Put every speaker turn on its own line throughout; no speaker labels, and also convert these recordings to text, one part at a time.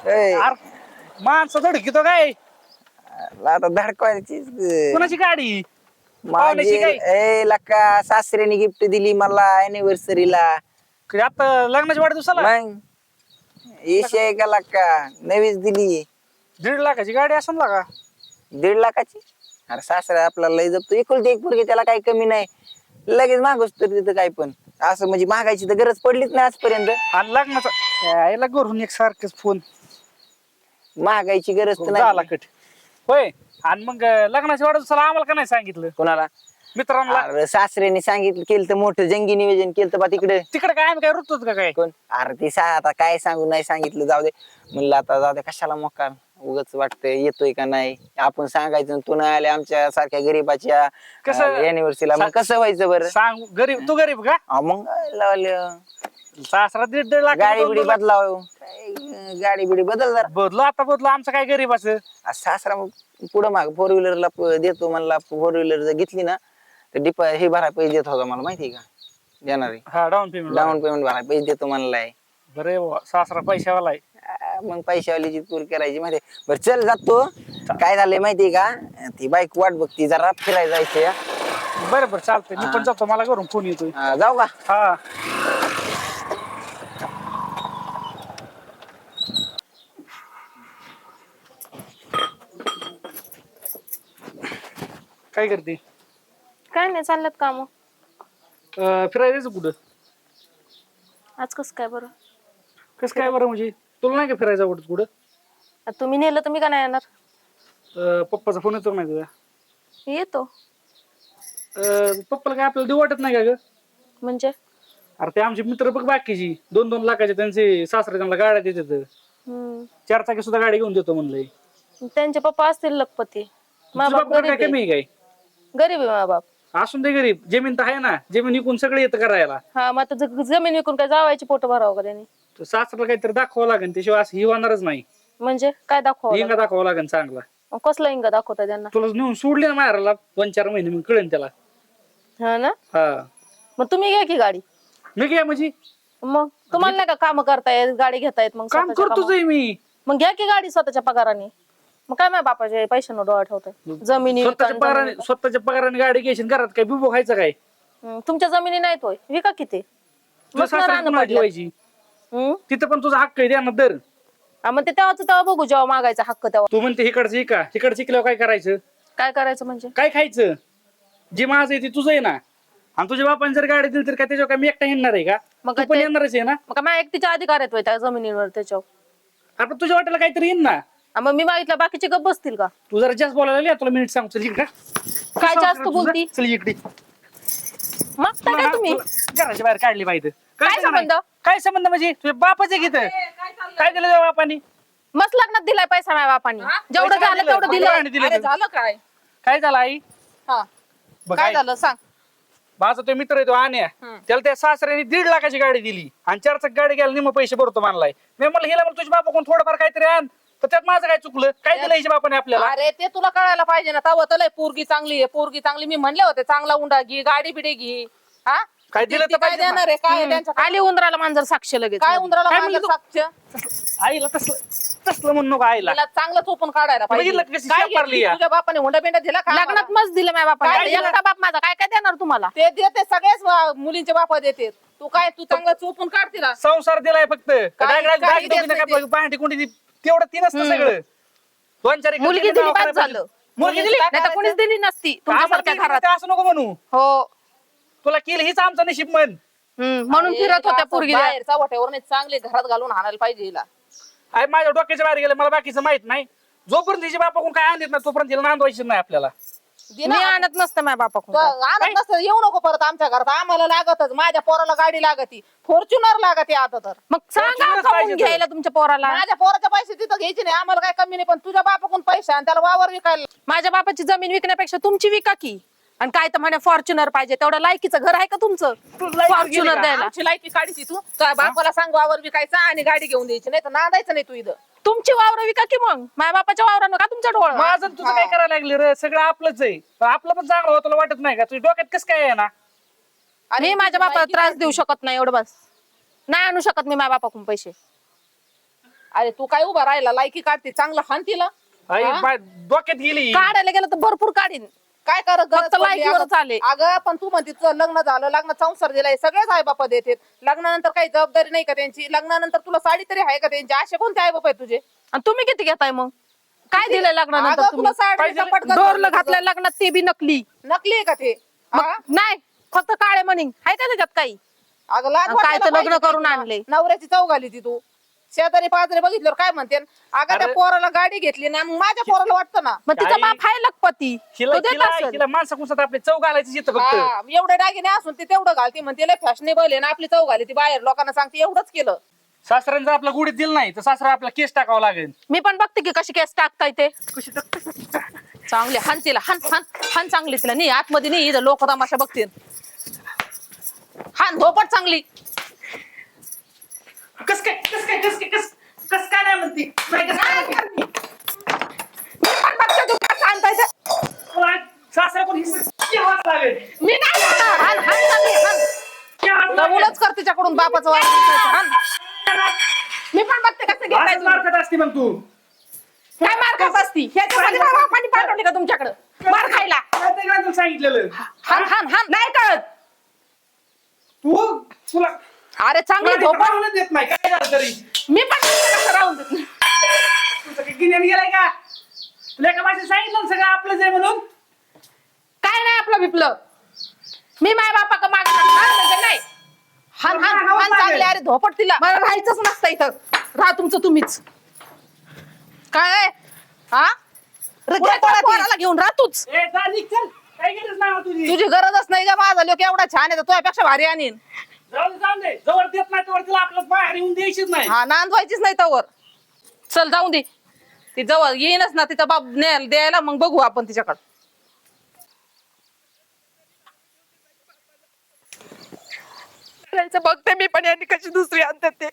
माणसं धडकितो काय
आता धडकवायची
कोणाची गाडी
माझी
पाहुण्याची काय
ए लका सासऱ्याने गिफ्ट दिली मला अॅनिव्हर्सरीला
आता लग्नाच्या वाढदिवसाला
मग इशे का लका नवीच दिली
1.5 लाखाची गाडी असेल ना का
1.5 लाखाची अरे सासरा आपला लय जपतो एकुलती एक पोरगी त्याला काही कमी नाही लगेच मागूस तर तिथं काय पण असं म्हणजे मागायची तर गरज पडलीच नाही आजपर्यंत
आणि लग्नाचा यायला घरून एक सारखंच फोन
मागायची गरज तर
झाला
नाही
कट होय आणि मग लग्नाच्या वाढदिवसाला आम्हाला का नाही सांगितलं
कोणाला
मित्रांना
अरे सासऱ्याने सांगितलं केलं तर मोठं जंगी नियोजन केलं तर बा तिकडे
तिकडे काय आम्ही काय रुतोच का काय
कोण अरे ती आता काय सांगू नाही सांगितलं जाऊ दे म्हणलं आता जाऊ दे कशाला मोकार उगाच वाटतंय येतोय का नाही आपण सांगायचं तू नाही आले आमच्या सारख्या गरीबाच्या
कसं
अॅनिव्हर्सरीला मग कसं व्हायचं बरं
सांग गरीब तू गरीब का
मग लावलं
सासरा 1.5 लाख
गाडी बिडी बदलाव गाडी बिडी बदल जरा
बदलो आता बदलो आमचं काय गरीबाचं
सासरा पुढं माग 4 व्हीलरला देतो म्हणला 4 व्हीलर जर घेतली ना तर हे भराय पैसे देत होता मला माहिती का देणार
हा डाऊन पेमेंट
भराय पैसे देतो म्हणलाय
बरे सासरा पैशावाला आहे
मग पैशावालीची पूर करायची माहिती बरं चल जातो काय झालंय माहितीये का ती बाईक वाट बघती जरा फिरायला जायचंय
बरं बरं चालतंय मी पण जातो मला घरून फोन येतोय
जाऊ का
हा काय करते
काय नाही चालल्यात काम
फिरायला जायचं कुठं
आज कस काय बरं
कसं काय बरं म्हणजे तुला नाही का फिरायचं आवडत कुठं
आता तुम्ही नेलं तर मी का नाही येणार
पप्पाचा फोन येतो नाही तुझा
येतो
पप्पाला काय आपल्याला देऊ वाटत नाही का ग
म्हणजे
अरे ते आमचे मित्र बघ बाकीची 2-2 लाखाचे त्यांचे सासरे त्यांना गाड्या देतात
हम्म
4 चाकी सुद्धा गाडी घेऊन देतो म्हणलंय
त्यांचे पप्पा असतील लखपती मा
तुझा
बाप
बाप काय
गरीब
कमी
आहे.
आहे काय
गरीब आहे मा बाप
असून दे गरीब जमीन तर आहे ना जमीन विकून सगळं येतं करायला
हा मग आता जमीन विकून काय जावायची पोट भरावं का त्यांनी
तर सासऱ्याला काहीतरी दाखवावं लागेल त्याशिवाय असं ही होणारच नाही
म्हणजे काय दाखवावं
हिंगा दाखवावं लागेल चांगला
मग कसला इंगा दाखवता त्यांना
तुला नेऊन सोडली ना मारायला 2-4 महिने मग कळेल त्याला
हा ना
हा
मग तुम्ही घ्या की गाडी
मी काय म्हणजे
मग तुम्हाला नाही का काम करतायत गाडी घेतायत मग
काम
स्वतःच्या
करतोच आहे मी
मग घ्या की गाडी स्वतःच्या पगाराने मग काय माझ्या बापाचे पैशांवर डोळा ठेवताय जमिनी विका आणि जमिनी
स्वतःच्या पगाराने गाडी घ्यायची आणि घरात काय बिबो खायचं काय
तुमच्या जमिनी नाहीत होय विका किती
तुला सासऱ्याची पुन्हा ठेवायची तिथं पण तुझा हक्क आहे द्या ना दर
मग ते तेव्हा बघू जेव्हा मागायचा हक्क तेव्हा
तू म्हणते इकडचं का तिकडचं शिकल्यावर काय करायचं
काय करायचं म्हणजे
काय खायचं जे माझं आहे ते तुझं आहे ना आणि तुझ्या बापाने जर गाडी दिली तर काय त्याच्यावर काय मी एकटा येणार आहे का
मग
तू पण
ते-
येणारच आहे ना
मग माझ्या एकटीचे अधिकार आहेत होय त्या जमिनीवर त्याच्यावर
आपण तुझ्या वाट्याला काहीतरी येईन ना
मग मी मागितलं बाकीचे गप बसतील का
तू जरा जास्त बोलायला लागली, तुला मिनिट सांग चल इकडे
काय जास्त बोलती
चल इकडे
मागता काय तुम्ही
घराच्या बाहेर काढली पाहिजे
काय संबंध?
काय संबंध म्हणजे तुझ्या बापाचे घेत काय दिलं तुझ्या बापानी
मस्त लग्नात दिलाय पैसा माझ्या बापानी जेवढं
पैसा
झालं
दिलं,
तेवढं
भगवानाने
दिलं
दिलं.
झालं काय
काय झालं आई
हा
बघ
काय
आई,
झालं सांग
माझा तो मित्र आहे तो आण्या त्याला त्या सासऱ्याने 1.5 लाखाची गाडी दिली आणि 4 चाक गाडी घ्यायला निम पैसे भरतो मानलाय मी म्हणलं हिला मग तुझ्या बापा कोण थोडंफार काहीतरी आण तर त्यात माझं काय चुकलं काय दिलं हिच्या बापाने आपल्याला
अरे ते तुला कळायला पाहिजे ना तव तर लय पोरगी चांगली आहे पोरगी चांगली मी म्हणले होते चांगला उंडा घे गाडी बिडी घे हा
काय दिलं
ती
तर
काय
पाहिजे ना.
देणार आहे काय आहे त्यांच्या
आली उंदराला मांजर साक्ष लगेच
काय उंदराला
काय
मांजर
म्हणली
साक्ष
आईला तसलं म्हणू नको आईला
तिला चांगलं चोपून काढायला पाहिजे
बघितलं का कशी
काय
शाप मारली
घेतली?
या?
तुझ्या बापाने हुंडा बिंडा दिला का
लग्नात
आम्हाला?
मस्त दिलं माझ्या
काय
बापाने
दिलं?
एकटा बाप माझा काय काय देणार तुम्हाला
ते देते सगळेच मुलींचे बापा देते तू काय तू चांगलं चोपून काढ तिला
संसार दिलाय फक्त
काही देत नाही ते.
पहाटे कोणती तेवढं ती नसतं सगळं 2-4 एकर
मुलगी
जमीन
दिली
नाव
बाद
करायला
झालं
मुलगी दिली
नाही तर कोणीच दिली नसती तुमच्यासारख्या
आम्हाला
घरात
दिली असं नको म्हणू
हो
तुला केलं हीच आमचं नशीब म्हण
म्हणून
अरे,
फिरत होत्या
असं
पोरगी
बाहेरचा वाट्यावर नाही चांगले घरात घालून हाणायला पाहिजे हिला
आई माझ्या डोक्याच्या बाहेर गेलं मला बाकीचं माहित नाही जोपर्यंत तिच्या बापा कोण काय आणत नाही तोपर्यंत तिला नांदवायचं नाही आपल्याला
दे
मी
ना.
आणत नसतं माझ्या
तो
बापाकडून
आणत नसतं येऊ नको परत आमच्या घरात आम्हाला लागतच माझ्या पोराला गाडी लागती फॉर्च्युनर लागते आता तर
मग सांगा
तुलाच
खाऊन
पाहिजे तर.
घ्यायला तुमच्या पोराला
माझ्या पोराचे पैसे तिथं घ्यायचे नाही आम्हाला काय कमी नाही पण तुझ्या बापाकडून पैसे आणि त्याला वावर विकायला
माझ्या बापाची जमीन विकण्यापेक्षा तुमची विका की आणि काय तर म्हणे फॉर्च्युनर पाहिजे तेवढं लायकीचं घर आहे का तुमचं फॉर्च्युनर द्यायला
आमची लायकी काढीची तू तुझ्या बापाला सांग वावर विकायचा आणि गाडी घेऊन द्यायची नाही तर नांदायचं नाही तू इथं
तुमची वावर विका की मग माझ्या बापाच्या वावरानं का तुमच्या डोळा
माझं आणि तुझं काय करायला लागले रे सगळं आपलंच आहे पण आपलं पण चांगलं होतं तुला वाटत नाही का तुझ्या डोक्यात कसं काय आहे ना
आणि माझ्या बापाला त्रास देऊ शकत नाही एवढं बस नाही आणू शकत मी माझ्या बापाकडून पैसे
अरे तू काय उभा राहिला लायकी काढते चांगलं हान तिला
आई,
हा?
डोक्यात गेली.
काढायला गेलं तर भरपूर काढीन.
काय कर
फक्त लायकीवरच आले.
अगं पण तू म्हणते तुझं लग्न झालं लग्न संसार दिलाय सगळेच आई बापा देतात लग्नानंतर काही जबाबदारी नाही का त्यांची लग्नानंतर तुला साडी तरी आहे का त्यांची असे कोणते आई बाप आहे तुझे
आणि तुम्ही किती घेताय मग? काय दिलंय लग्नानंतर
अगं,
तुम्ही?
तुला साडी
पाहिजे
कपाट घालून
डोरलं
तुझं.
घातलंय लग्नात ते बी नकली.
नकली आहे का ते
मग
हा?
नाही फक्त काळे म्हणीन आहे का त्याच्यात काही?
अगं लाज
काय
वाटायला
तर लग्न
पाहिजे
करून
तुला.
आणले.
नवऱ्याची चव घाली ती तू शेजारी पाजारी बघितल्यावर काय म्हणते अगं त्या
अरे-
पोराला गाडी घेतली ना मग माझ्या पोराला वाटतं ना
मग तिचा
काही-
बाप आहे लखपती,
हिला
तो देत
हिला
असेल.
हिला माणसा कुसात आपली चव घालायची येतं फक्त.
हा, एवढे दागिने असून ते तेवढं घालते म्हणते लय फॅशनेबल आहे ना आपली चव घाली ती बाहेर लोकांना सांगते एवढंच केलं
सासऱ्याने जर आपला गुढीत दिलं नाही तर सासरा आपला केस टाकावा लागेल.
मी पण बघते की कशी केस टाकताय ते. चांगले हान तिला हान हान हान चांगली तिला नाही आतमध्ये नाही इथं लोक तमाशा बघतील. हान धोपट चांगली.
कस काय नाही म्हणती नाही कस काय म्हणती?
मी पण बघते तू काय सांगताय ते.
तुला सासरा कोण हिस्सा घ्यावाच लागेल.
मी नाही करणार. हान हान चांगली हान.
घ्यावाच लागेल.
उलच कर तिच्याकडून बापाचं वावर विकायचं. हाण.
मी पण बघते कसं घेताय
असंच
तुम्ही.
मार खात असती मग तू.
काय मार खात असती? ह्याच्यासाठी बापाने पाठवली का तुमच्याकडे मार खायला?
काय ते काय तुला सांगितलेलं
हान हान हान नाही कळत.
तू तुला
अरे चांगली
तुला
धोपट.
राहूनच देत नाही काय झालं तरी.
मी पण कसं राहून देत नाही.
तुझं काही गिन्यान गेलाय का? तुला एका भाषेत सांगितलं ना सगळं आपलंच आहे म्हणून.
काय नाही आपलं बिपलं. मी माझ्या बापा का माग म्हणजे नाही.
हाण हाण हाण चांगली अरे धोपट तिला
मला राहायचंच नसतं इथं. राहा तुमचं तुम्हीच. काय आहे? हा
घे पळा ती.
पोराला घेऊन राहा तूच.
ए, जा निघ, चल. काही गरज नाही हो तुझी.
तुझी गरजच नाही का माझा लोक एवढा छान आहे तर तुझ्यापेक्षा भारी आणीन
जाऊ दे जवळ देत नाही तोवर तिला आपलं बाहेर येऊन द्यायचीच नाही.
हा नांदवायचीच नाही तवर चल जाऊन दे ती जवळ येईनच ना तिचा बाप द्यायला मग बघू आपण तिच्याकडे
राहायचं बघते मी पण यांनी कशी दुसरी आणतात ते.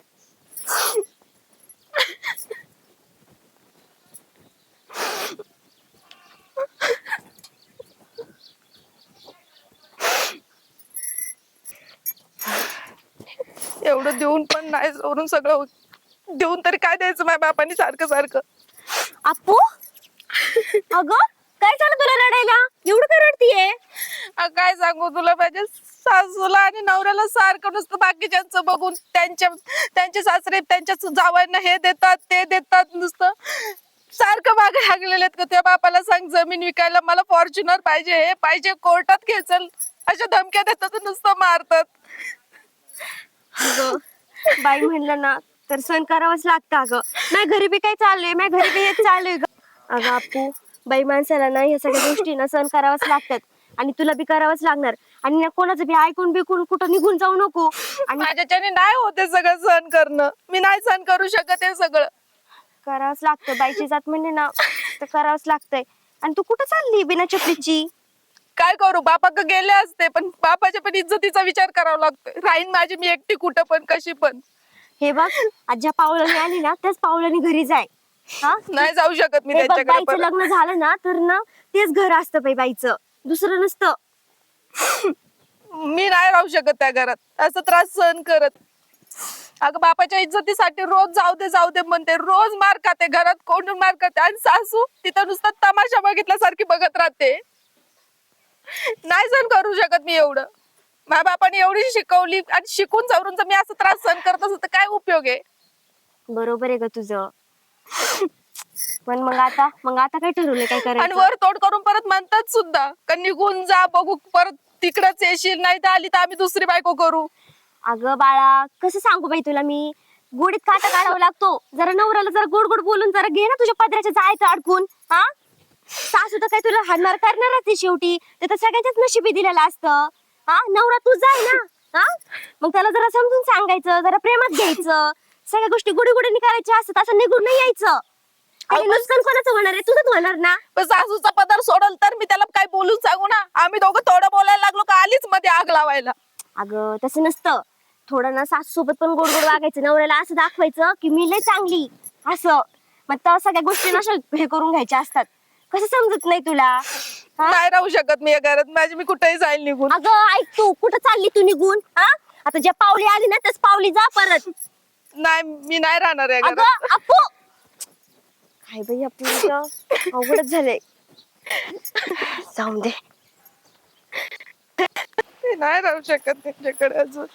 एवढं देऊन पण नाही सोडून सगळं देऊन तरी काय द्यायचं माझ्या बापाने सारखं सारखं.
अप्पू अगं काय झालं तुला रडायला एवढं काय रडतीये?
काय सांगू तुला माझ्या सासूला आणि नवऱ्याला सारखं नुसतं बाकीच्यांचं बघून त्यांचे सासरे त्यांच्या जावांना हे देतात ते देतात नुसतं सारखं मागे लागलेले आहेत का त्या बापाला सांग जमीन विकायला मला फॉर्च्युनर पाहिजे हे पाहिजे कोर्टात खेचल अशा धमक्या देतात नुसतं मारतात.
अगं बाई म्हणलं ना तर सण करावंच लागतं. अगं नाही घरी बी काय चाललंय माझ्या घरी बी हेच चाललंय ग. अगं अप्पू बाई माणसाला ना ह्या सगळ्या गोष्टी ना सण करावंच लागतात आणि तुला बी करावंच लागणार आणि ना कोणाचं बी ऐकून बिकून कुठं निघून जाऊ नको. आणि
माझ्याच्याने नाही होते सगळं सहन करणं मी नाही सहन करू शकत हे सगळं.
करावंच लागतं बाईची जात म्हणजे ना तर करावंच लागतंय. आणि तू कुठं चालली बिना चपलीची?
काय करू बापाक गेले असते पण बापाच्या पण इज्जतीचा विचार करावा लागतोय. राहीन माझी मी एकटी कुठं पण कशी पण.
हे बघ आज ज्या पावलाने आली ना त्याच पावलाने घरी जाय. हा
नाही जाऊ शकत मी
हे बघ
त्यांच्याकडे
बाईचं
परत.
लग्न झालं ना तर ना तेच घर असतं बाईचं दुसरं नसतं.
मी नाही राहू शकत त्या घरात असं त्रास सहन करत. अगं बापाच्या इज्जतीसाठी रोज जाऊ दे म्हणते रोज मार खाते घरात कोण मार खाते आणि सासू तिथं नुसतं तमाशा बघितल्यासारखी बघत राहते. नाही सहन करू शकत मी एवढं. माझ्या बापाने एवढी शिकवली आणि शिकून जाऊन जर मी असं त्रास सहन करत असत तर काय उपयोग आहे.
बरोबर आहे ग तुझं. पण मग आता काय ठरवलं काय
आणि
करायचं?
वर तोड करून परत म्हणतात सुद्धा का निघून जा बघू परत तिकडच येशील नाही तर आली तर आम्ही दुसरी बायको करू.
अगं बाळा कसं सांगू बाई तुला मी गोडीत काटा काढावा लागतो. जरा नवऱ्याला जरा गोड गोड बोलून जरा घे ना तुझ्या पदराच्या जायचं अडकून. हा सासू तर काय तुला हाणमार करणारच आहे शेवटी. ते तर सगळ्यांच्याच नशिबी दिलेलं असतं. हा नवरा तुझा आहे ना. हा मग त्याला जरा समजून सांगायचं जरा प्रेमात घ्यायचं सगळ्या गोष्टी गुडी गुडीने करायच्या असतात असं निघून नाही यायचं. आणि नुकसान कोणाचं होणार आहे तुझंच होणार ना.
पण सासूचा पदार सोडल तर मी त्याला काय बोलून सांगू ना. आम्ही दोघं थोडं बोलायला लागलो का आलीच मध्ये आग लावायला.
अगं तसं नसतं. थोडं ना सासू सोबत पण गोड गोड वागायचं नवऱ्याला असं दाखवायचं की मी लय चांगली असं. मग त्या सगळ्या गोष्टी ना हे करून घ्यायच्या असतात. कसं समजत नाही तुला? हा?
नाही राहू शकत मी या घरात माझी मी कुठेही जाईल निघून.
अगं ऐक तू कुठं चालली तू निघून? हा आता ज्या पावली आली ना त्याच पावली जा परत.
नाही मी नाही राहणार या घरात.
अगं अप्पू काय बाई आपलं अवघडच झालंय. जाऊन दे.
मी नाही राहू शकत त्यांच्याकडे अजून.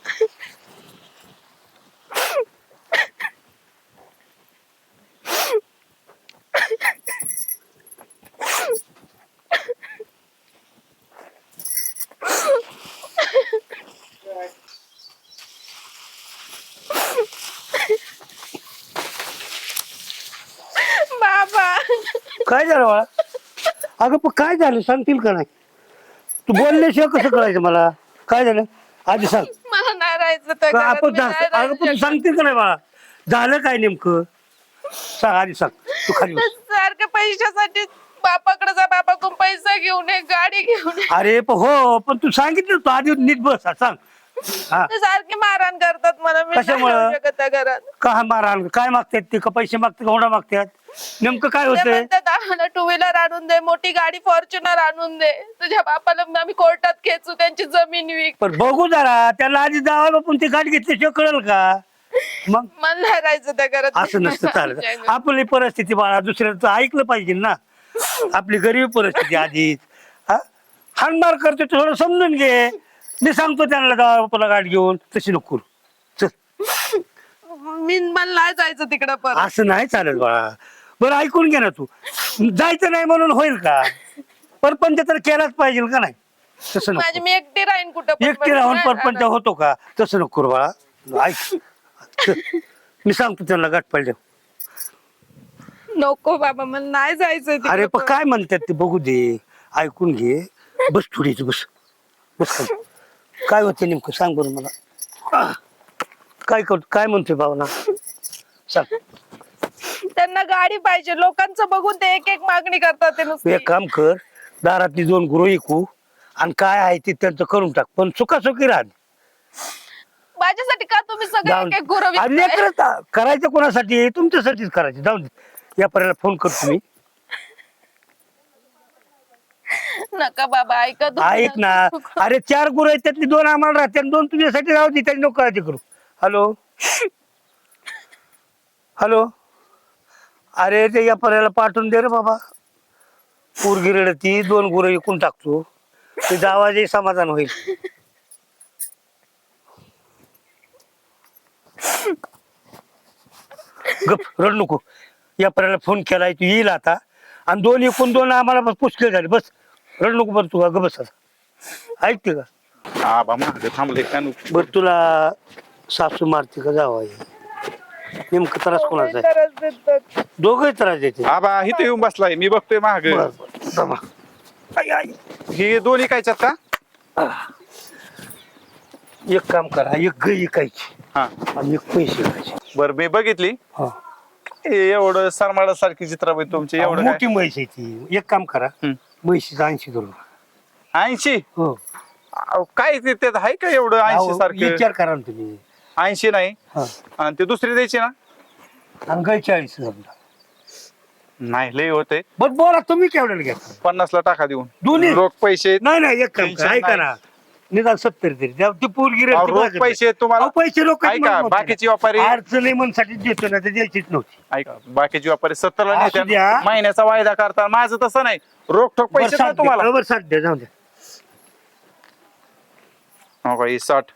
बाबा
काय झालं बाळा? अगं पण काय झालं सांगतील का नाही? तू बोलल्याशिवाय कसं कळायचं मला? काय झालं आधी सांग.
मला नाही राहायचं त्या
का
घरात,
आपण
मी नाही
अगं
राहू
पण तू
शकत.
सांगतील का नाही बाळा? झालं काय नेमकं? सांग आधी सांग. तू खाली बस.
सारखं पैशासाठी बापाकडे जा, बापाकडून पैसा घेऊन ये, गाडी घेऊन ये.
अरे पण हो पण तू सांगितलं तू आधी नीट बस सांग. हा
ते सारखे मारहाण करतात मला, मी नाही
कशामुळं?
राहू शकत त्या घरात.
का मारहाण काय मागतात ते? का पैसे मागतात का हुंडा मागतात? नेमकं काय
ते
होतंय?
म्हणतात आम्हाला टू व्हीलर आणून दे, मोठी गाडी फॉर्च्युनर आणून दे, तुझ्या बापाला आम्ही कोर्टात खेचू, त्यांची जमीन विक.
पण बघू जरा त्याला आधी जावं पण ती गाडी घेतल्याशिवाय कळेल का? मग
मला नाही राहायचं त्या घरात.
असं नसतं चालत. आपली परिस्थिती बाळा दुसऱ्याचं ऐकलं पाहिजे ना. आपली गरीब परिस्थिती आधीच हाणमार करतो थोडं समजून घे. मी सांगतो त्यांना जावा बापाला गाडी घेऊन, तशी नको करू. चल
मला नाही जायचं तिकडं परत.
असं नाही चालत बाळा. बरं ऐकून घे ना तू. जायचं नाही म्हणून होईल का? परपंच तर केलाच पाहिजे का नाही? तसं
माझी
नको.
मी एकटी राहीन कुठं पण,
एकटी
पण
राहून
नाही
परपंच
राहणार.
होतो का? तसं नको करू बाळा. ऐक चल. मी सांगतो त्यांना गाठ पाहिजे.
नको बाबा, मला नाही जायचं
अरे पण काय म्हणतात ते बघू दे. ऐकून घे. बस थोडीच बस. बस खाली. काय होतं नेमकं सांग बरं मला. काय करतो काय म्हणतोय भावना सांग.
त्यांना गाडी पाहिजे, लोकांचं बघून ते एक एक मागणी करतात ते
तू
नुसती.
एक काम कर. दारातली 2 गुरु ऐकू आणि काय आहे ते त्यांचं करून टाक. पण सुखासुखी राहा.
माझ्यासाठी का तुम्ही सगळे एक एक गुरं विकताय?
करायचं कोणासाठी? तुमच्यासाठीच करायचं. जाऊन दे. या पर्याला फोन करतो मी.
नका बाबा, ऐका तुम्ही.
ऐक ना. अरे 4 गुरु आहेत त्यातली 2 आम्हाला राहते आणि 2 तुझ्यासाठी राहू दे. त्याची नको काळजी करू. Hello hello. अरे ते या पर्याला पाठवून दे रे बाबा. पोरगी रडती 2 गुरं विकून टाकतो. तुझा आवाजही समाधान होईल. गप रड नको. या पर्याला फोन केलाय तू येईल आता. आणि 2 एकूण 2 आम्हाला पुष्कळ झाले. बस रड नको. बरं तू ग बस आता. ऐकते का?
आबा मागे थांबले का नको?
बर तुला सासू मारते का जावा? नेमकं त्रास कोणाचा आहे?
त्रास देतात.
दोघही त्रास देते.
आबा इथे येऊन बसलाय, मी बघतोय माग.
बर, बर. दमा. आई, आई.
हे दोन्ही कायच्यात का?
एक काम करा. एक गाय ऐकायची
हा
आणि एक पैसे घ्यायचे.
बर, मी बघितली.
हा.
एवढं सरमाडा सारखी चित्राबाई तुमची एवढं
मोठी म्हैस आहे ती. एक काम करा. म्हैशीचं 80 करू.
80?
हो.
काय ते त्यात आहे का एवढं 80 सारखं?
विचार करा ना तुम्ही.
80 नाही.
हा.
आणि ते दुसरी द्यायची ना?
आणि गाय 40 समजा.
नाही लय होते.
बर बोला तुम्ही केवढ्याला घ्या?
50 ला टाका देऊन.
दोन्ही?
रोख पैसे.
नाही नाही एक काम
टेन्शन
करा. ऐका
नाही.
ना. निदान 70 तरी द्या. ती पोरगी रडते
रोख
माझ्याकडे.
पैसे तुम्हाला.
पैसे रोख
ऐका बाकीची व्यापारी.
अडचणी म्हणसाठी देतो ना ते द्यायचीच नव्हती.
ऐका बाकीची व्यापारी 70 ला
असू द्या.
नेत्यात. महिन्याचा वायदा करता. माझं तसं नाही. रोख ठोक पैसे
बरं,
ना तुम्हाला.
बरोबर 60 द्या. जाऊ द्या.
हो का? 60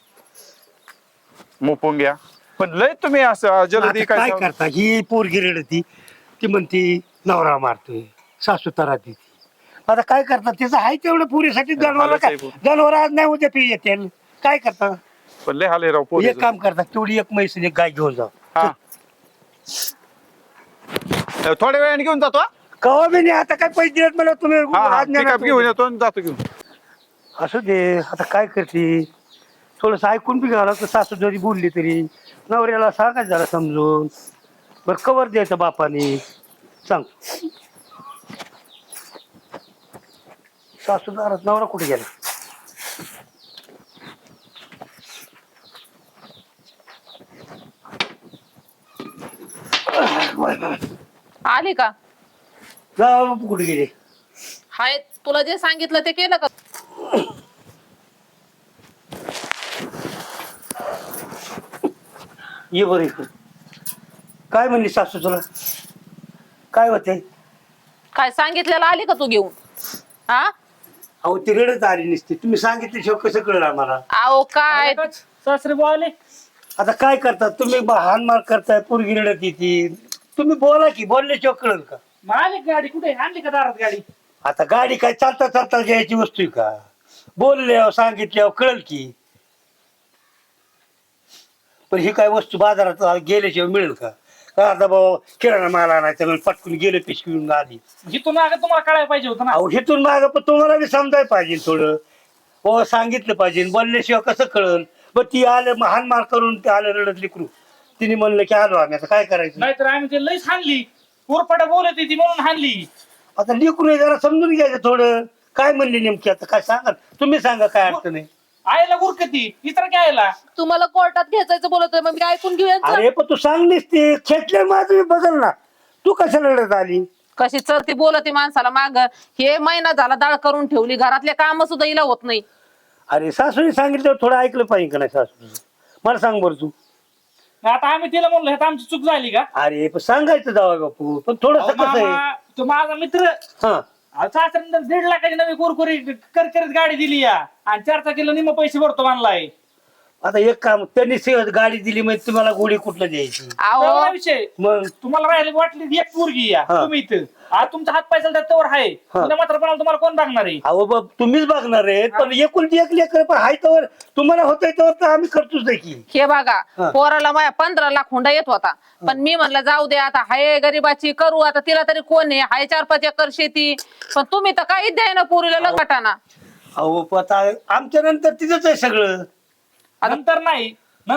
मोपून घ्या. पण लय तुम्ही असं जलदी
आता काय
काय
करता? ही पोरगी रडती. ती म्हणती नवरा मारतोय, सासू तरा देती. आता काय करतात? त्याचं आहे तेवढं पुरीसाठी जनावर काय
साहेब.
जनावर आज नाही उद्या पी येते. काय करता?
पण लय हाले राव पोरीचं.
एक काम करता. तेवढी एक म्हैस आणि एक गाय घेऊन जा.
हा. थोड्या वेळाने घेऊन जातो हा?
कवा बी नाही. आता काय पैसे दिलेत मला तुम्ही
हा
आज नाही
पिकअप
ना
घेऊन येतो आणि जातो घेऊन.
असू दे. आता काय करते? थोडस ऐकून बी घ्यावं लागतं. सासू जरी बोलली तरी नवऱ्याला सांगायचं जरा समजून. बरं कवर द्यायचं बापाने सांग. सासू दारात नवरा कुठे गेला?
आली का?
जा बापू कुठे गेले?
हाय, तुला जे सांगितलं ते केलं का?
ये बरं इकडं. काय म्हणली सासू तुला? काय होते?
काय सांगितलेलं आली का तू घेऊन? हा
अहो ती रडत आली नसती, तुम्ही सांगितल्याशिवाय कसं कळलं आम्हाला?
अहो काय
सासरे बोले
आता काय करता तुम्ही? हानमार करताय, पोरगी रडत येते, तुम्ही बोला की, बोलल्याशिवाय कळलं का?
मग आली का गाडी? कुठे आणली का दारात गाडी?
आता गाडी काय चालता चालता घ्यायची वस्तू आहे का? बोलल्यावर सांगितल्यावर कळल की. पण ही काय वस्तू बाजारात गेल्याशिवाय मिळेल का? का आता भाऊ किराणा माल आणायचा म्हणून पटकून गेले, पिशवी घेऊन आली.
जिथून मागे तुम्हाला कळायला पाहिजे होतं ना.
अहो हिथून माग पण तुम्हाला बी समजायला पाहिजे थोडं. हो सांगितलं पाहिजे, बोलल्याशिवाय कसं कळल? मग ती आलं हानमार करून ते आलं रडत लेकरू. तिने म्हणलं की आलो आम्ही, आता काय करायचं?
नाहीतर आम्ही ते लईच हाणली, उरपाटा बोलत ती म्हणून हाणली.
आता लेकरू जरा समजून घ्यायचं थोडं. काय म्हणले नेमकी? आता काय सांगा तुम्ही, सांगा काय अडचण आहे.
आयला उरकती इतर काय आयला.
तुम्हाला कोर्टात घ्यायचं बोलतोय, मग मी ऐकून घेऊया.
अरे पण तू सांगलीस ते खेटले माझं बदल ना. तू कशाला रडत आली?
कशी चलती बोलती माणसाला माग. हे महिना झाला दाळ करून ठेवली, घरातले काम सुद्धा हिला होत नाही.
अरे सासूने सांगितलं थोडं ऐकलं पाहिजे का नाही सासू? मला सांग बरं तू.
आता आम्ही तिला म्हणलो हे तर आमची चूक झाली का?
अरे पण सांगायचं जावा बापू, पण थोडस
अहो,
कसं आहे.
मामा, तो माझा मित्र
हा
सासऱ्यानंतर 1.5 लाखाची नवी कुरकुरी करकरीत गाडी दिली या आणि 4 चाकीला निम्म पैसे भरतो म्हणलाय.
आता एक काम, त्यांनी गाडी दिली म्हणजे तुम्हाला गोळी कुठलं द्यायची?
अहो
तेवढा विषय.
मग
तुम्हाला राहिले वाटली एक पोरगी या
हा.
तुम्ही इथं आज तुमचा हात पैसा त्यावर आहे.
हा.
तुला मात्र पण तुम्हाला कोण बघणार आहे?
अहो बाब तुम्हीच बघणार आहेत, पण एकुलती एक लेकर पण हाय तर तुम्हाला होतंय तर आम्ही करतोच नाही की.
हे बघा,
हा.
पोराला माझ्या 15 लाख हुंडा येत होता, पण मी म्हणलं जाऊ दे आता, हाय गरीबाची करू आता, तिला तरी कोण आहे, हाय 4-5 एकर शेती. पण तुम्ही तर काहीच द्याय ना पुरीला लगटाना.
अहो पण आता आमच्या नंतर तिथंच आहे सगळं.
नंतर नाही,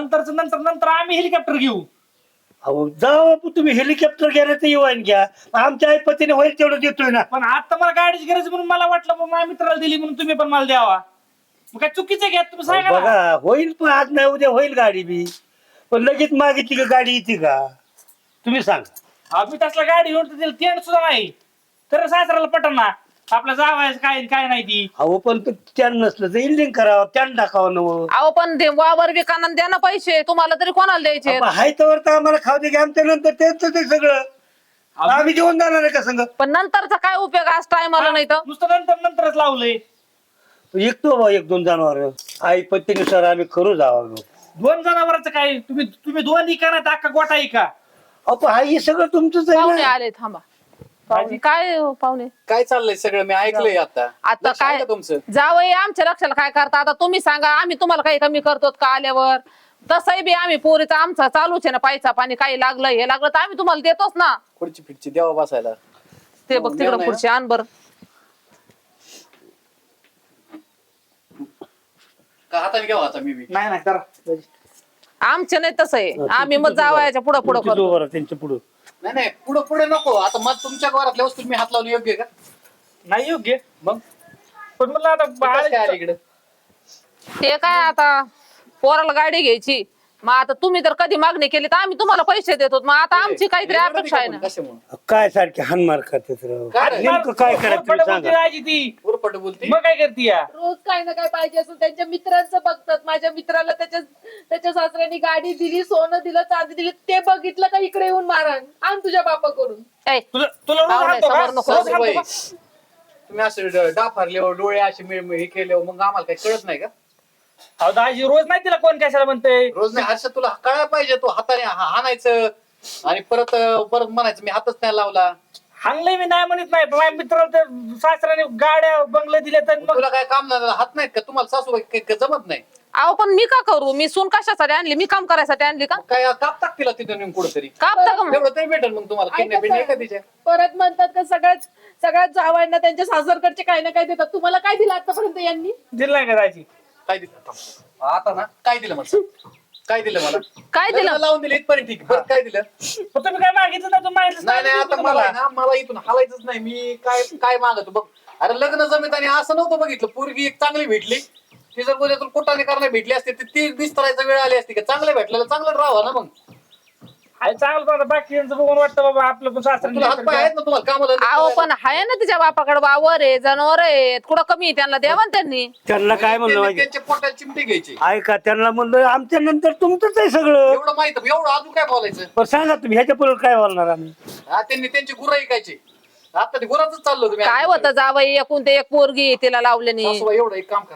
नंतर आम्ही हेलिकॉप्टर घेऊ.
अहो जाऊ बापू, तुम्ही हेलिकॉप्टर घ्या तर येऊन घ्या, आमच्या आई पतीने होईल तेवढं देतोय ना.
पण आता मला गाडीची गरज म्हणून मला वाटलं मग माझ्या मित्राला दिली म्हणून तुम्ही पण मला द्यावा. मग काय चुकीचं घ्या तुम्ही सांगा ना.
बघा होईल, पण आज नाही उद्या होईल गाडी बी. पण लगेच मागितली का गाडी येते का? तुम्ही सांगा.
आम्ही तसला गाडी घेऊन दिली तेंड सुद्धा नाही, तर सासऱ्याला पटन ना आपल्या जावायचं काय काय नाही ती.
अहो पण त्यान नसलं तर इल्डिंग करावं, त्यान टाकावं नवं.
अहो पण ते वावर विकाना द्या ना पैसे, तुम्हाला तरी कोणाला द्यायचे?
हाय तर आम्हाला खाऊ दे की, आमच्या नंतर त्यांचं ते सगळं आम्ही जेवण जाणार आहे का संग?
पण नंतरचा काय उपयोग आज टायमाला नाही तर.
नुसतं नंतरच लावलंय.
विकतो बा 1-2 जनावर, आई पत्तीनुसार आम्ही करू जावं.
2 जनावरांचं काय? तुम्ही 2 इका ना अख्खा गोटा इका.
अहो हा हे सगळं तुमचंच आहे
पाहुणे
ना.
आले, थांबा. पाहुणे काय हो, पाहुणे
काय चाललंय सगळं? मी ऐकलंय आता.
आता
लक्ष आहे
काय
का तुमचं?
जावई आमच्या लक्षाला काय करता? आता तुम्ही सांगा, आम्ही तुम्हाला काही कमी करतो का आल्यावर? तसंही बी आम्ही पोरीचा आमचा चालूच आहे ना, पैसा पाणी काही लागलं हे लागलं तर आम्ही तुम्हाला देतोच ना.
खुर्ची फिटची देवा बसायला.
ते बघ तिकडं पुढची आण बर.
का हाताने घ्यावा आता मी बी?
नाही नाही करा.
आमचे नाही तसं आहे, आम्ही मग जावयाच्या पुढं पुढं
तुमची
करतो.
दोघं त्यांच्या पुढं.
नाही नाही, पुढे पुढे नको. आता मग तुमच्या घरातल्या वस्तू मी हात लावून योग्य आहे का?
नाही योग्य.
मग
पण मला आता
ते कसं काय आलं इकडं?
ते काय आता पोराला गाडी घ्यायची, मग आता तुम्ही तर कधी मागणी केली तर आम्ही तुम्हाला पैसे देतो, मग आता आमची काहीतरी अपेक्षा आहे ना.
कशामुळे?
काय सारखे हानमार करतात राव.
काय?
नेमकं काय करायचं तुम्ही सांगा.
राहायची ती
उरपट बोलते.
मग काय करते या?
रोज काही ना काय पाहिजे असं त्यांच्या मित्रांचं बघतात. माझ्या मित्राला त्याच्या सासऱ्याने गाडी दिली, सोनं दिलं, चांदी दिली, ते बघितलं का इकडे येऊन मारण आण तुझ्या बापाकडून.
ऐ,
तुला रोज
पाहुणे,
हाणतो का?
समोर नको.
रोज हाणतो
बाई,
का?
तुम्ही असं डाफारल्यावर डोळे असे हे केल्यावर मग आम्हाला काही कळत नाही का?
अहो दाजी रोज नाही तिला कोण कशाला म्हणतंय.
रोज नाही. हर्ष तुला कळायला पाहिजे. तू हाताने हाणायचं आणि परत म्हणायचं मी हातच नाही लावला.
हाणलंय मी नाही म्हणत नाही, पण माझ्या मित्राला तर सासऱ्याने गाड्या बंगले दिले तर मग
तुला काय काम नाही, हात नाहीत का तुम्हाला? सासू जमत नाही
अहो पण मी का करू? मी सून कशासाठी आणली? मी काम करायसाठी आणली का?
काय कापतात तिला तिथं नेऊन कुठेतरी?
कापता का मग?
तेवढं तरी भेटेल मग तुम्हाला. किडनॅप आहे का तिच्या?
परत म्हणतात का सगळ्यात जावांना त्यांच्या सासरकडचे काही ना काही देतात. तुम्हाला काय दिलं आतापर्यंत यांनी?
दिलं नाही का दाजी?
काय दिलं आता ना? काय दिलं मला? काय दिलं मला?
काय दिलं?
लग्न लावून दिलं इथपर्यंत ठीक. बरं काय दिलं?
पण तुम्ही काय मागितलं नाही, तुम्ही मागितलं
नाही नाही, आता मला आहे ना, मला इथून हालायचंच नाही. मी काय मागतो बघ. अरे लग्न जमीत आणि असं नव्हतं बघितलं. पोरगी एक चांगली भेटली, ती जर उद्यातून कुठाने करणे भेटली असते तर ती बिस्तरायचा वेळ आली असती का? चांगलं भेटलेलं चांगलं राहावं ना मग.
आहे चांगलं पण आता बाकीचं बघून वाटतं बाबा आपलं पण
तुला हात पाय आहेत
सासरा
ना तुम्हाला कामाला
अहो पण आहे ना तिच्या बापाकडे वावर आहे जनावर आहेत कुठं कमी आहे त्यांना द्यावा ना त्यांनी.
त्यांना काय म्हणलं माहिती
त्यांच्या पोटाला चिमटे घ्यायचे
ऐका त्यांना म्हणलं आमच्या नंतर तुमचंच आहे सगळं.
एवढं माहित एवढं अजून काय बोलायचं.
पण सांगा तुम्ही ह्याच्या पुढे काय बोलणार आम्ही.
हा त्यांनी त्यांची गुरं ऐकायची आता ते गुराच चाललो तुम्ही
काय होतं जावई एकूण ते एक पोरगी तिला लावलेली.
सासूबाई एवढं एक काम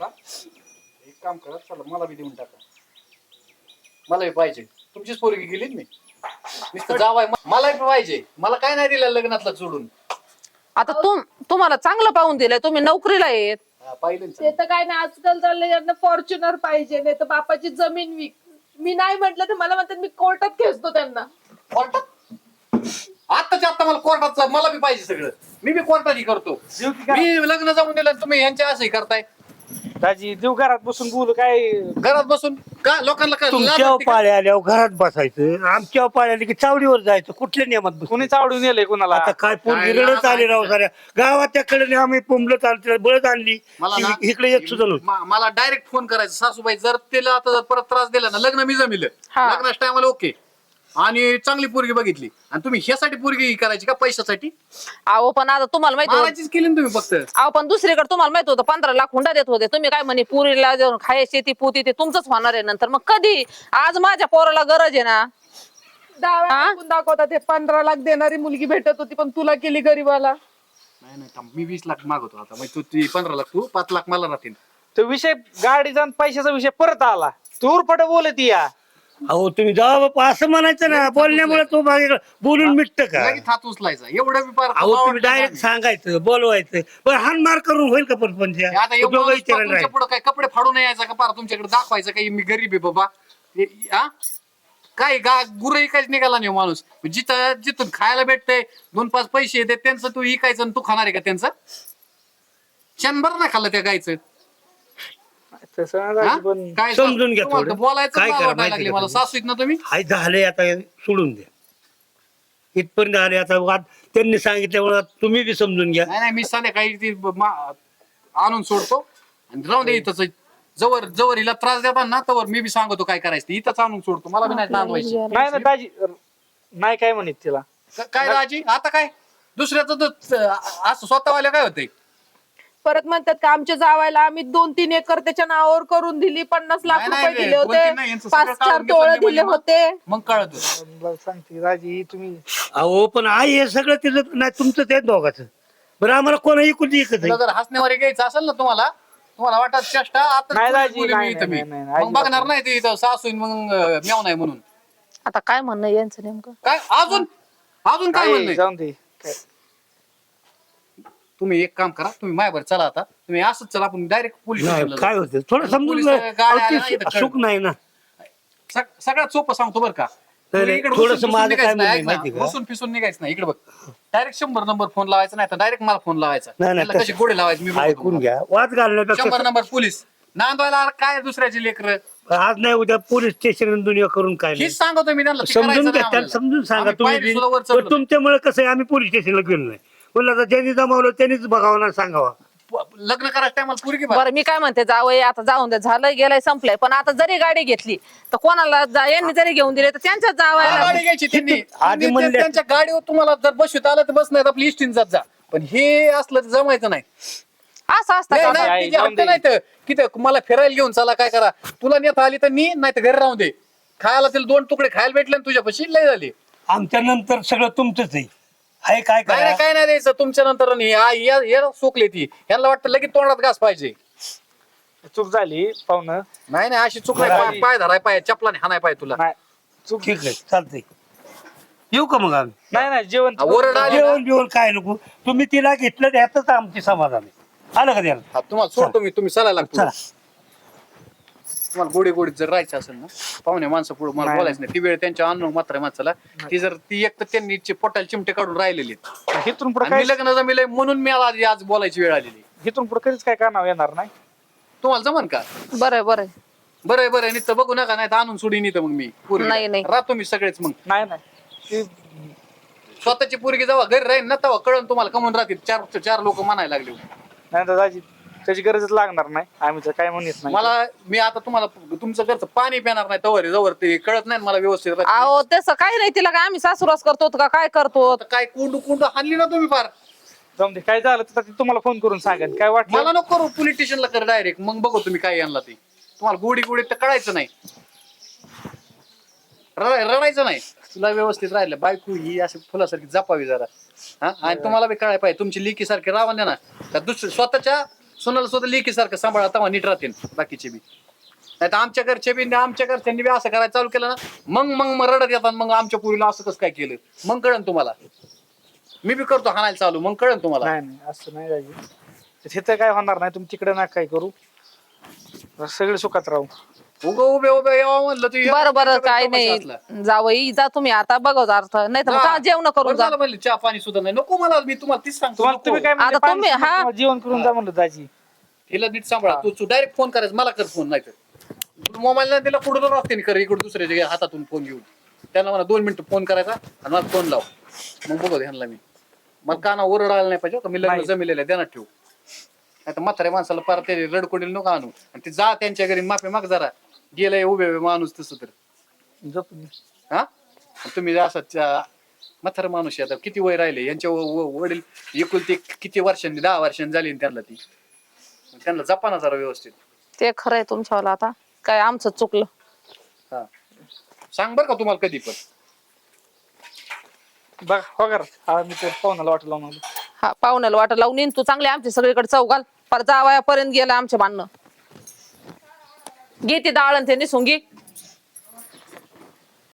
करा चला मला बी देऊन टाका मला बी पाहिजे तुमचीच पोरगी गेली मी नुसतं जावाय मला बी पाहिजे मला काय नाही दिलं लग्नातलं सोडून
आता तुम्हाला चांगलं पाहून दिलंय तुम्ही नोकरीला येत.
हा, पाहिलं ना
ते तर काय नाही आजकाल चाललंय यांना फॉर्च्युनर पाहिजे नाही तर बापाची जमीन विक. मी नाही म्हटलं तर मला म्हणतात मी कोर्टात खेचतो त्यांना.
कोर्टात आत्ताच्या आता मला कोर्टात मला बी पाहिजे सगळं मी बी कोर्टात करतो मी लग्न जाऊन दिलं तुम्ही यांच्या असंही करताय
दाजी देव घरात बसून बोलू काय
घरात बसून का लोकांना काय लाज
तुमच्या
वाटते का?
पाळ्या आल्यावर घरात बसायचं आमच्या पाळ्या आली की चावडीवर जायचं कुठल्या नियमात बसायचं?
कुणी चावडून नेलंय कुणाला
आता काय
काय
पोरगी रडत आली राव साऱ्या गावाच्या कडे आम्ही पुंबलं चालत बळत आणली
मला ना
इकडे येत सुद्धा नव्हतं.
मला डायरेक्ट फोन करायचा सासूबाई जर तिला आता जर परत त्रास दिला ना लग्न मी जमिलं
हा.
लग्नाच्या टायमाला ओके आणि चांगली पोरगी बघितली आणि तुम्ही ह्यासाठी पोरगी करायची का पैशासाठी
अहो पण आता तुम्हाला माहिती होतं
मारायचीच केली ना तुम्ही फक्त
अहो पण दुसरीकडे तुम्हाला माहित होतं 15 लाख हुंडा देत होते तुम्ही काय म्हणे पुरीला जाऊन खाय शेती पोती ते तुमचंच होणार आहे नंतर मग कधी आज माझ्या पोराला गरज आहे ना.
डाव्या
हा?
टाकून दाखवतात हे 15 लाख देणारी मुलगी भेटत होती पण तुला केली गरीबाला.
नाही थांब, मी 20 लाख मागवतो आता मग तू 15 लाख तू 5 लाख मला राहतील
तो विषय गाडीचा आणि पैशाचा विषय परत आला तू उरफट बोलत या
अहो तुम्ही जावा बापा असं म्हणायचं ना बोलण्यामुळे तो मागे बोलून मिटत का.
लगेच हात उचलायचा एवढं बी फार
अहो तुम्ही
आवडलं
डायरेक्ट
नाही.
सांगायचं बोलवायचं पण हानमार करून होईल का परपंच
हे आता एवढं माणूस तुमच्या पुढं काय कपडे फाडून यायचा का पार तुमच्याकडे दाखवायचं काही मी गरीब आहे बाबा हा काय गुरं इकायच निघाला नाही हो माणूस जिथून खायला भेटतंय 2-5 पैसे येते त्यांचं तू इकायचं आणि तू खाणार आहे का त्यांचं शंभर नाही खाल्लं त्या गायचं
तसं नाही
हा?
दाजी, पण
काय
समजून घ्या
तुम्हाला तर
थोडं.
बोलायचं
काय
मला
करा
वाटायला
माहिती
लागले
का
मला
तुम्ही?
सासू आहेत ना तुम्ही
हाय झालंय आता सोडून द्या इथपर्यंत आले आता वाद त्यांनी सांगितल्यामुळे तुम्ही बी समजून घ्या.
नाही मी संध्याकाळी ती आणून सोडतो आणि राहून दे इथंच जवळ जवळ हिला त्रास देतात ना तवर मी बी सांगतो काय करायचं ते. इथंच आणून सोडतो मला बी नाही नांदवायची
नाही ना दाजी नाही काय म्हणत तिला
काय राजी आता काय दुसऱ्याचं तर असं स्वतःवाल्या काय होतंय
परत म्हणतात का आमच्या जावायला आम्ही 2-3 एकर त्याच्या नावावर करून दिली 50 लाख
नाही, नाही,
रुपये दिले
2-3
होते
नाही, यांचं सगळं
5-4
काढून
तोळे
घेतलं
दिले
म्हणजे
होते.
मग कळत
मला सांगते दाजी तुम्ही
अहो पण आई हे सगळं तिचं नाही तुमचं ते दोघाचं बरं आम्हाला कोणाही कुठे एकच
तुला
आहे.
जर हसण्यावर घ्यायचं असेल ना तुम्हाला वाटत चेष्टा आता
नाही,
बोलली
दाजी,
मी
नाही,
इथं मी.
नाही, नाही,
मग
अजिबात
बघणार नाही ते इथं सासू मग मेव नाही म्हणून
आता काय म्हणणं आहे यांचं नेमकं.
काय अजून काय
काय
म्हणणं
जाऊन दे काय.
तुम्ही एक काम करा तुम्ही माझ्यावर चला आता तुम्ही असंच चला आपण डायरेक्ट पोलीस
नाही
स्टेशनला
काय
जाऊ.
होतं थोडं समजून
पोलीस
घ्या.
गाड्या
अहो,
आल्या
ते
ना इथं
सुख नाही ना.
सगळ्यात सोपं सांगतो बरं का
नाही,
तुम्ही इकडे
थोडंसं
बसून
माझं
निघायचं
काय
नाही,
म्हणणं
ऐक ना,
माहिती का?
बसून फिसून निघायचं नाही इकडे बघ डायरेक्ट 100 नंबर फोन लावायचा नाही तर डायरेक्ट मला फोन लावायचा
नाही, नाही,
त्याला कसे गोडे लावायचे मी बघतो
ऐकून
तुम्हाला.
घ्या वाद घालण्यापेक्षा
100 नंबर पोलीस नांदवायला काय दुसऱ्याची लेकर
आज नाही उद्या पोलीस स्टेशन दुनिया करून काय नाही
हेच सांगतो मी त्यांना ते
समजून
करायचं
घ्या
नाही
त्यांना
आम्हाला.
समजून सांगा
आम्ही
तुम्ही
पायरी
बी.
सुद्धा वर
पण
चढलो नाही.
तुमच्यामुळे कसं आहे आम्ही पोलीस स्टेशनला गेलो नाही म्हणलं आता ज्यांनी जमावलं त्यांनीच बघावं ना सांगावा.
लग्न करायच्या टायमाला पुरगी बघ.
बरं मी काय म्हणते जावई आता जाऊन दे झालं गेलंय संपलंय पण आता जरी गाडी घेतली तर कोणाला यांनी जरी घेऊन दिले तर त्यांच्याच
हा,
जावायला
गाडी घ्यायची त्यांनी
आधी
आणि
म्हणले-
त्यांच्या गाडीवर तुम्हाला जर बसवीत आलं तर बस नाही आपली इष्टीन जात जा पण हे असलं तर जमायचं नाही
असं असतं
नाही,
का?
नाही,
आई,
तिचे
जाऊन
हट्ट
दे.
नाही तर किती मला फिरायला घेऊन चला काय करा तुला नेता आली तर नाही तर घरी राहून दे खायला तिला 2 तुकडे खायला भेटले ना तुझ्या पशी लय झाली
आमच्या नंतर सगळं तुमचंच आहे हाय काय
काय
करा
नाही काय नाही द्यायचं तुमच्या नंतर सोकले ती यांना वाटतं लगेच तोंडात घास पाहिजे
चूक झाली पाहुणं
नाही नाही अशी चूक नाही पाय धराय पाय चपलाने हाणाय पाय तुला
नाही चूक
ठीक आहे चालतंय येऊ का मग आम्ही
नाही नाही जेवण
ओरड आली ना,
जेवण जेवण काय नको तुम्ही तिला घेतलं त्यातच आमची समाधान आहे आलं का त्याला
हा, तुम्हाला सोडतो मी तुम्ही चालायला लागतो
चला
तुम्हाला गोडी गोडीत जर राहायचं असेल ना पाहुणे माणसं पुढे मला
नाही,
बोलायचं नाही ती वेळ त्यांच्या अन्न मात्र माणसाला ती जर ती एक तर त्यांनी पोटाला चिमटे काढून राहिलेली आहेत.
इथून पुढे
आणि
काय
मी लग्न जमिलंय म्हणून मी आज बोलायची वेळ आलेली
इथून पुढे कधीच काय करणार येणार नाही
तुम्हाला जमन का
बरं बरं
बरं बरं नुसतं बघू नका नाही तर आणून सोडीन इथं मग मी पोरगी.
नाही, नाही.
राहतो मी सगळेच मग
नाही नाही ती
स्वतःची पोरगी जेव्हा घरी राहील ना तेव्हा कळण तुम्हाला कमवून राहतील 4 लोक म्हणायला लागले
नाही तर दाजी त्याची गरजच लागणार नाही. आम्ही तर काय म्हणत नाही.
मला मी आता तुम्हाला तुमचं घरचं पाणी पिणार नाही तवर जवळ ते कळत नाही ना मला व्यवस्थित.
अहो तसं काही नाही, तिला काय आम्ही सासूरास करतो का काय करतो?
आता काय कुंड हाणली ना तुम्ही फार.
जाऊन दे, काय झालं तर ती तुम्हाला फोन करून सांगेन. काय वाटलं
मला नको करू, पोलीस स्टेशनला कर डायरेक्ट, मग बघू तुम्ही काय आणला ते. तुम्हाला गोडी तर कळायचं नाही, रडायचं नाही. तुला व्यवस्थित राहिलं बायको ही अशी फुलासारखी जपावी जरा. हा, आणि तुम्हाला बी कळायला पाहिजे तुमची लेकी सारखी राहा द्या ना. त्या दुसऱ्या स्वतःच्या सुनाला स्वतः लेकी सारखं सांभाळा, तेव्हा नीट राहतील बाकीचे बी. नाही तर आमच्या घरचे बी आमच्या घरच्यांनी बी असं करायला चालू केलं ना, मग रडत येतात. मग आमच्या पुरीला असं कसं काय केलं, मग कळन तुम्हाला. मी बी करतो हाणायला चालू, मग कळन तुम्हाला.
नाही असं नाही राहिलं. तिथं काय होणार नाही. तुम्ही तिकडे ना काय करू, सगळे सुखात राहू.
उभे यावं म्हणलं तू
बरं बरं काय नाही, जावई जा तुम्ही आता, बघा अर्थ नाही तर मग जेवण करून जा.
म्हणलं चहा पाणी सुद्धा नाही नको मला. मी तुम्हाला तीच सांगतो
तुम्हाला तुम्ही काय म्हणले,
आता तुम्ही-
पाणी
हा.
किंवा जेवण करून जा म्हणलं दाजी.
हिला नीट सांभाळा. तू डायरेक्ट फोन करायचं, मला कर फोन. नाही तर मोबाईल नाही दिला पुढे रस्ते कर, इकडे दुसऱ्याच्या हातातून फोन घेऊन त्यांना मला 2 मिनिटं फोन करायचा आणि मला फोन लाव. मग बघू ह्यांना मी मला काना ओरडायला नाही पाहिजे. मी लग्न जमिलेलं आहे ध्यानात ठेवू. नाही तर म्हाताऱ्या माणसाला पार ते रडकोडील नको आणू. आणि ते जा त्यांच्या घरी माफी माग जरा. गेलाय उभे माणूस तसं तर.
झोपून दे.
हा, तुम्ही असं म्हातारा माणूस आहे. आता किती वय राहिले यांच्या वडील एकुलती किती वर्षांनी 10 वर्षांनी झाली त्यांना ती. त्यांना जपा ना जरा व्यवस्थित.
ते खरंय तुमच्यावाला, आता काय आमचं चुकलं.
हा, सांग बर का तुम्हाला कधी पण.
बघ हो कर, मी तर पाहुण्याला वाटलं लावून आलो.
हा, पाहुण्याला वाटा लावून येईन तू चांगले आमच्या सगळीकडे चौघाल पर जावयापर्यंत गेला आमच्या बांधणं. घे ती डाळ आणि ते निसून घे.